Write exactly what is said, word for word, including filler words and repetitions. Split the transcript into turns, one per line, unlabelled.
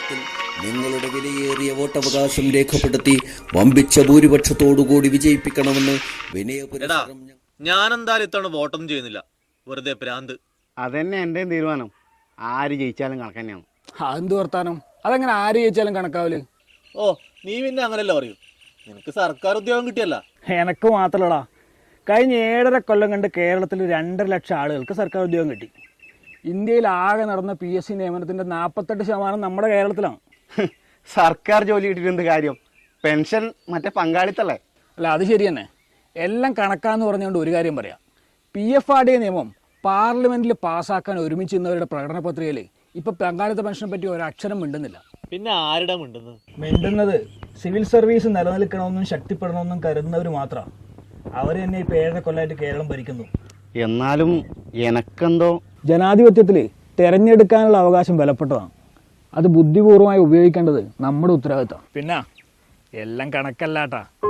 തെരഞ്ഞെടുപ്പിൽ നിങ്ങളുടെ വിലയേറിയ വോട്ടവകാശം രേഖപ്പെടുത്തി വമ്പിച്ച ഭൂരിപക്ഷത്തോടുകൂടി വിജയിപ്പിക്കണമെന്ന് വിനയപുരസ്സരം.
ഞാൻ എന്തായാലും ഇത്തവണ വോട്ടൊന്നും ചെയ്യുന്നില്ല, വെറുതെ പ്രാന്ത്.
അതന്നെ എൻ്റെയും തീരുമാനം. ആര് ജയിച്ചാലും കണക്ക് തന്നെയാണ്.
അതെന്ത് വർത്താനം? അതെങ്ങനെ ആര് ജയിച്ചാലും കണക്കാവല്?
ഓ, നീ പിന്നെ അങ്ങനെയല്ല പറയൂ, നിനക്ക് സർക്കാർ ഉദ്യോഗം കിട്ടിയല്ല.
എനക്ക് മാത്രമല്ലടാ, കഴിഞ്ഞ ഏഴര കൊല്ലം കണ്ട് കേരളത്തിൽ രണ്ടര ലക്ഷം ആളുകൾക്ക് സർക്കാർ ഉദ്യോഗം കിട്ടി. ഇന്ത്യയിൽ ആകെ നടന്ന പി എസ് സി നിയമനത്തിൻ്റെ നാൽപ്പത്തെട്ട് ശതമാനം നമ്മുടെ കേരളത്തിലാണ്.
സർക്കാർ ജോലി കിട്ടിയിട്ടുണ്ട് കാര്യം, പെൻഷൻ മറ്റേ പങ്കാളിത്തല്ലേ.
അല്ല, അത് ശരി തന്നെ. എല്ലാം കണക്കാന്ന് പറഞ്ഞുകൊണ്ട് ഒരു കാര്യം പറയാം. P F R D A നിയമം പാർലമെൻറ്റിൽ പാസ്സാക്കാൻ ഒരുമിച്ച് നിന്നവരുടെ പ്രകടന പത്രികയിൽ ഇപ്പോൾ പങ്കാളിത്ത പെൻഷനെ പറ്റി ഒരക്ഷരം മിണ്ടുന്നില്ല.
പിന്നെ ആരുടെ മിണ്ടുന്നത്?
മിണ്ടുന്നത് സിവിൽ സർവീസ് നിലനിൽക്കണമെന്നും ശക്തിപ്പെടണമെന്നും കരുതുന്നവർ മാത്രമാണ്. അവർ തന്നെ ഇപ്പോൾ ഏഴര കൊല്ലമായിട്ട് കേരളം ഭരിക്കുന്നു.
എന്നാലും എനക്കെന്തോ
ജനാധിപത്യത്തിൽ തിരഞ്ഞെടുക്കാനുള്ള അവകാശം വിലപ്പെട്ടതാണ്. അത് ബുദ്ധിപൂർവമായി ഉപയോഗിക്കേണ്ടത് നമ്മുടെ ഉത്തരവാദിത്തം. പിന്നെ എല്ലാം കണക്കല്ലാട്ടാ.